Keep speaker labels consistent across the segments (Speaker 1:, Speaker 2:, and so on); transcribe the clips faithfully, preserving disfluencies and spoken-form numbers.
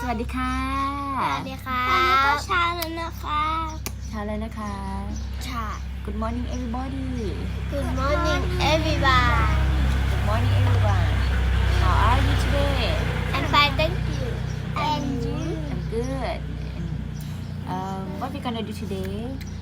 Speaker 1: วัสดีค่ะ
Speaker 2: สวัสดีค่ะตอนนี้ก็เช้าแล้วนะคะ
Speaker 1: เช้าแล้วนะคะ
Speaker 2: ใช่
Speaker 1: Good morning everybody
Speaker 2: Good morning everyone
Speaker 1: Good morning everyone How are you today
Speaker 2: I'm fine thank you and you
Speaker 1: I'm good and um what we gonna do today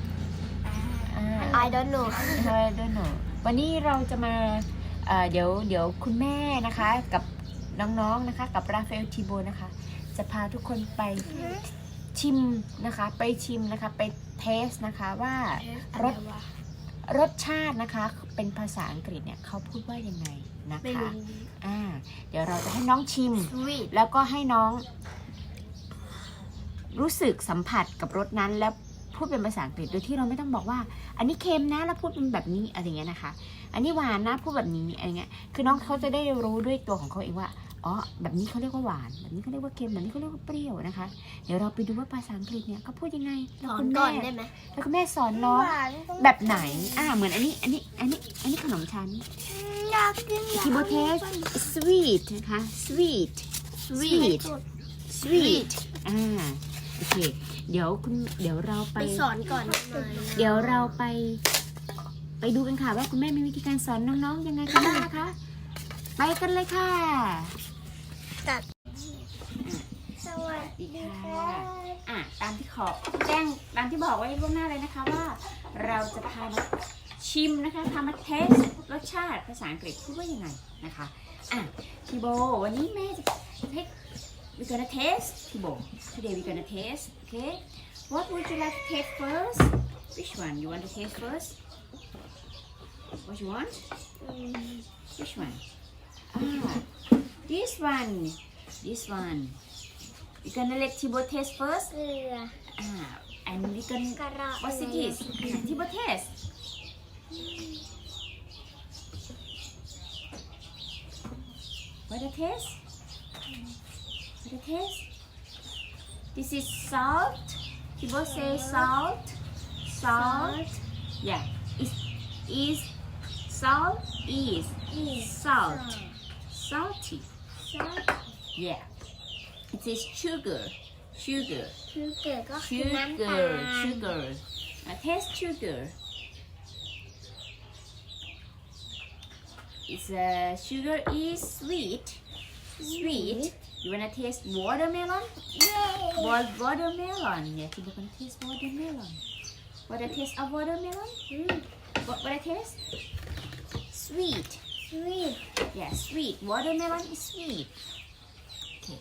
Speaker 2: I don't know
Speaker 1: I don't know วันนี้เราจะมาเอ่อเดี๋ยวเดี๋ยวคุณแม่นะคะกับน้องๆนะคะกับราฟาเอลทีโบนะคะจะพาทุกคนไปชิมนะคะไปชิมนะคะไปเทสนะคะว่ารสรสชาตินะคะเป็นภาษาอังกฤษเนี่ยเขาพูดว่ายังไงนะคะอ่าเดี๋ยวเราจะให้น้องชิมแล้วก็ให้น้องรู้สึกสัมผัสกับรสนั้นแล้วพูดเป็นภาษาอังกฤษโดยที่เราไม่ต้องบอกว่าอันนี้เค็มนะแล้วพูดเป็นแบบนี้อะไรเงี้ยนะคะอันนี้หวานนะพูดแบบนี้อะไรเงี้ยคือน้องเขาจะได้รู้ด้วยตัวของเขาเองว่าอ๋อแบบนี้เขาเรียกว่าหวานแบบนี้เขาเรียกว่าเค็มแบบนี้เขาเรียกว่าเปรี้ยวนะคะเดี๋ยวเราไปดูว่าภาษาอังกฤษเนี่ยเขาพูดยังไงแล้วคุณแม่แล้วคุณแม่สอนน้องแบบไหนอ่าเหมือนอันนี้อันนี้อันนี้อันนี้ขนมชั้นทิโบเทส sweet นะคะ sweet sweet sweet อ่าโอเคเดี๋ยวคุณเดี๋ยวเราไป
Speaker 2: สอนก่อน
Speaker 1: เดี๋ยวเราไปไปดูกันค่ะว่าคุณแม่มีวิธีการสอนน้องๆยังไงกันบ้างนะคะไปกันเลยค่ะสวัสดีค่ะอ่ะตามที่ขอแจ้งตามที่บอกไว้ล่วงหน้าเลยนะคะว่าเราจะพามาชิมนะคะพามาเทสรสชาติภาษาอังกฤษพูดว่ายังไงนะคะอ่ะทีโบวันนี้แม่จะให้ we gonna taste ทีโบ today we gonna taste okay what would you like to taste first which one you want to taste first what you want which one ah this one this one we gonna let Tibo taste first
Speaker 2: เกลือ
Speaker 1: ah and we gonna what's it is ah, Tibo taste what the taste what the taste this is salt Tibo say salt salt yeah is is salt is salt salty yeah it is sugar sugar
Speaker 2: ชูเกลือก็คือน้ำตา
Speaker 1: sugar
Speaker 2: ล
Speaker 1: sugar uh, taste sugar it's uh, sugar is sweet sweet you wanna taste watermelon Wa- watermelon yeah you gonna taste watermelon what the taste of watermelon what what the taste sweet
Speaker 2: sweet
Speaker 1: yeah sweet watermelon is sweet okay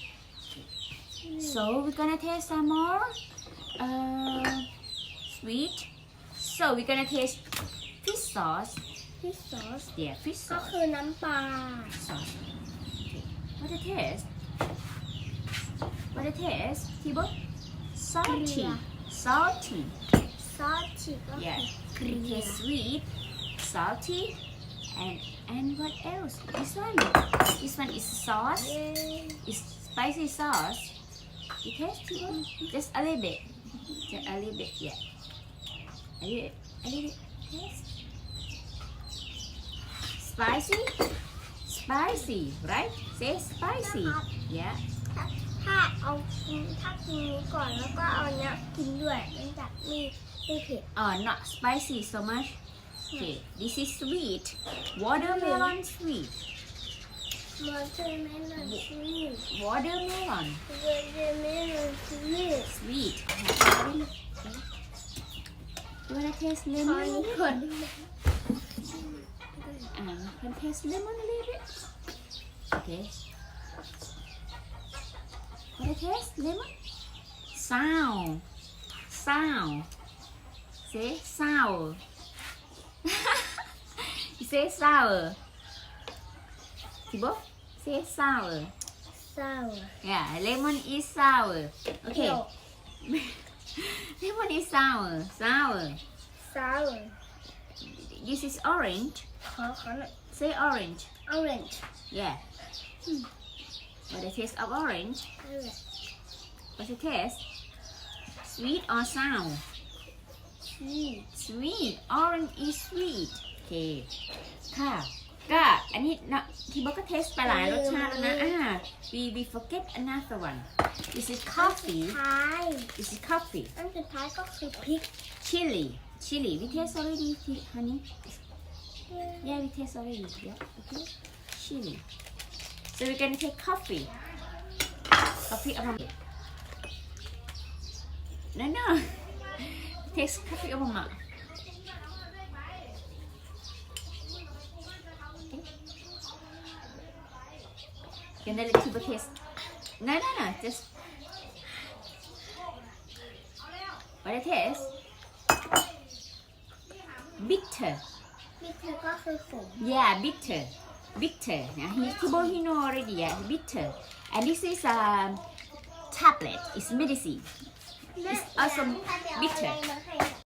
Speaker 1: so we're gonna taste some more uh, sweet so we're gonna taste fish sauce
Speaker 2: ฟิชซอส
Speaker 1: yeah fish
Speaker 2: ก็
Speaker 1: sauce
Speaker 2: คือน้ำปลา
Speaker 1: sauce okay what the taste what the taste Tibo salty salty
Speaker 2: ซอสฉีกก็
Speaker 1: yeah
Speaker 2: คือเกลือ
Speaker 1: it tastes sweet salty and and what else this one this one is sauce it's spicy sauce you taste Tibo just a little bit just a little bit yeah a little a little bit taste spicy spicy right say spicy yeah
Speaker 2: ถ้าเอากินถ้ากินนี้ก่อนแล้วก็เอาเนี้ยกินด้วยเนื่องจากไม่ไม่เผ็ด
Speaker 1: oh not spicy so much okay this is sweet watermelon sweet
Speaker 2: มอเตอร์เมลอนสวีท
Speaker 1: watermelon
Speaker 2: มอเตอร์เมลอนสวีท
Speaker 1: sweet you wanna taste
Speaker 2: ตอน
Speaker 1: lemon
Speaker 2: นี้คน
Speaker 1: and can taste lemon a little bit okay wanna taste lemon sour sour say sour you say sour Tibo say sour
Speaker 2: เศร้า
Speaker 1: yeah lemon is sour okay lemon is sour sour
Speaker 2: เศร้า
Speaker 1: this is orange
Speaker 2: ขอขอหน่อย
Speaker 1: say orange
Speaker 2: orange
Speaker 1: yeah what the taste of orange what's the taste sweet or sour
Speaker 2: sweet
Speaker 1: sweet orange is sweet okay ค่ะก็อันนี้เนาะที่บอกก็เทสไปหลายรสชาติแล้วนะอ่า we we forget another one is it
Speaker 2: อัน
Speaker 1: coffee
Speaker 2: สุดท้าย
Speaker 1: is it coffee
Speaker 2: อันสุดท้ายก็คือพริก
Speaker 1: chili chili we taste already honey yeah we taste already yeah okay chili so we're gonna take coffee coffee aroma no no taste coffee aroma Can I let you taste? No, no, no. Just what it is? Bitter.
Speaker 2: พริกเธอก็คือขม
Speaker 1: Yeah, bitter. Bitter. Now he Tibo he know already. Yeah, bitter. And this is a um, tablet. It's medicine.
Speaker 2: แม่
Speaker 1: It's also
Speaker 2: อยากให้
Speaker 1: bitter
Speaker 2: เอาอะไรมาให้